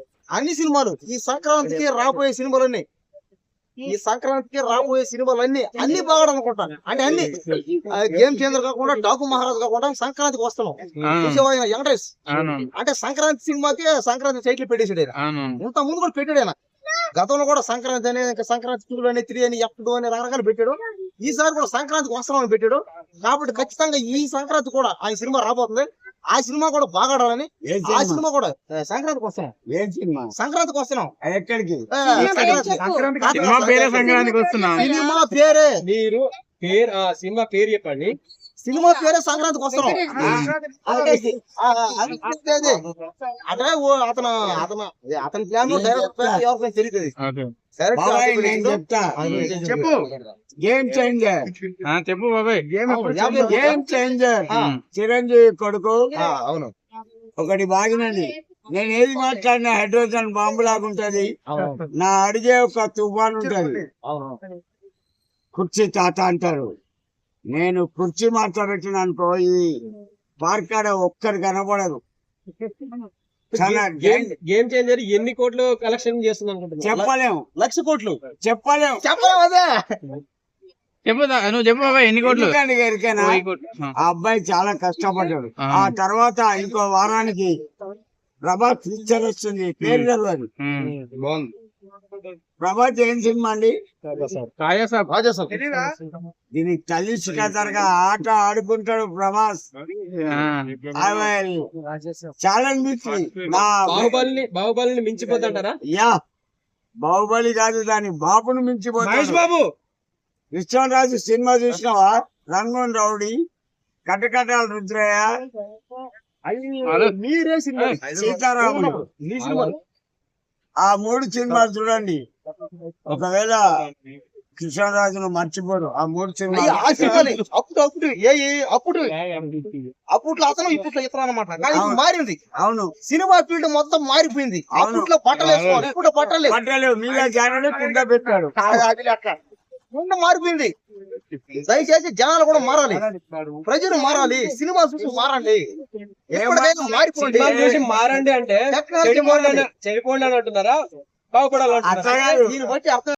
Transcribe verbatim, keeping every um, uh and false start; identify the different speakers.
Speaker 1: అన్ని సినిమాలు ఈ సంక్రాంతికి రాబోయే సినిమాలన్నీ ఈ సంక్రాంతికి రాబోయే సినిమాలు అన్ని అన్ని బాగా అనుకుంటాను. అంటే అన్ని గేమ్ చేంజర్ కాకుండా డాకు మహారాజ్ కాకుండా సంక్రాంతికి వస్తున్నాం. వెంకటేష్ అంటే సంక్రాంతి సినిమాకి సంక్రాంతి సైట్లు పెట్టేసాడు. ఇంత ముందు కూడా పెట్టాడు ఆయన. గతంలో కూడా సంక్రాంతి అని సంక్రాంతి టూ అని త్రీ అని ఎఫ్ టూ అని రకరకాలు పెట్టాడు. ఈసారి కూడా సంక్రాంతికి వస్తున్నామని పెట్టాడు. కాబట్టి ఖచ్చితంగా ఈ సంక్రాంతి కూడా ఆయన సినిమా రాబోతుంది. ఆ సినిమా కూడా బాగా ఆడాలని ఆ సినిమా కూడా సంక్రాంతికి వస్తున్నాం. ఏం సినిమా సంక్రాంతికి వస్తున్నాం. ఎక్కడికి
Speaker 2: సినిమా పేరే సంక్రాంతికి వస్తున్నాం.
Speaker 1: సినిమా పేరే
Speaker 3: మీరు పేరు ఆ సినిమా పేరు చెప్పండి.
Speaker 1: సినిమా పేరే సంక్రాంతికి వస్తున్నాం. అదే అతను అతను అతని ప్లాన్ ఎవరికైనా తెలియదు.
Speaker 4: చెప్పు గేమ్ చేంజర్
Speaker 2: చెప్పు బాబాయ్.
Speaker 4: గేమ్ చేంజర్ చిరంజీవి కొడుకు.
Speaker 1: అవును
Speaker 4: ఒకటి బాగినది. నేను ఏది మాట్లాడినా హైడ్రోజన్ బాంబు లాగుంటది. నా అడిగే ఒక తుఫాన్ ఉంటది. కుర్చీ తాత అంటారు. నేను కుర్చీ మాట్లాడబెట్టిన అనుకో ఈ పార్కాడ ఒక్కరు కనబడదు.
Speaker 3: గేమ్ చేంజర్ ఎన్ని కోట్లు కలెక్షన్ చేస్తుంది అనుకుంటున్నా?
Speaker 4: చెప్పలేము.
Speaker 1: లక్ష కోట్లు
Speaker 4: చెప్పలేము.
Speaker 1: చెప్పలేము. అదే
Speaker 2: చెప్పు నువ్వు చెప్పు బాబాయ్. ఎన్ని కోట్లు?
Speaker 4: ఎరికేనా ఆ అబ్బాయి చాలా కష్టపడ్డాడు. ఆ తర్వాత ఇంకో వారానికి ప్రభాస్ పిక్చర్ వస్తుంది. పేరు తెలియదు. ప్రభాస్ ఏం సినిమా అండి? దీనికి కలిసికతరగా ఆట ఆడుకుంటాడు ప్రభాస్. ఛాలెంజ్ మిచ్చి
Speaker 3: బాహుబలిని బాహుబలిని మించిపోతాంటారా?
Speaker 4: యా బాహుబలి కాదు, దాని బాబును మించిపోతాడు. బాబు విశ్వరాజు సినిమా చూసినావా? రంగూన్ రౌడీ, కటకటాల రుద్రయ్య,
Speaker 1: మీరే సినిమా
Speaker 4: సీతారాములు, ఆ మూడు సినిమాలు చూడండి. ఒకవేళ కృష్ణరాజును మర్చిపోరు. ఆ మూడు సినిమాలు
Speaker 1: అప్పుడు అప్పుడు ఏ అప్పుడు అప్పట్లో అతను ఇప్పట్లో ఇతను అనమాట. మారింది.
Speaker 4: అవును,
Speaker 1: సినిమా ఫీల్డ్ మొత్తం మారిపోయింది. అప్పట్లో బట్టలు వేసుకోవాలి, ఇప్పుడు బట్టలు
Speaker 4: బట్టలు మీద జాననే కింద పెట్టాడు.
Speaker 1: ముందు మారిపోయింది. దయచేసి జనాలు కూడా మారాలి, ప్రజలు మారాలి, సినిమా చూసి మారండి. మారిపోండి,
Speaker 3: చూసి మారండి అంటే చెడిపోండి చెడిపోండి అని అంటున్నారా? బాగుపడాలంటున్నారా?
Speaker 1: దీన్ని బట్టి అర్థం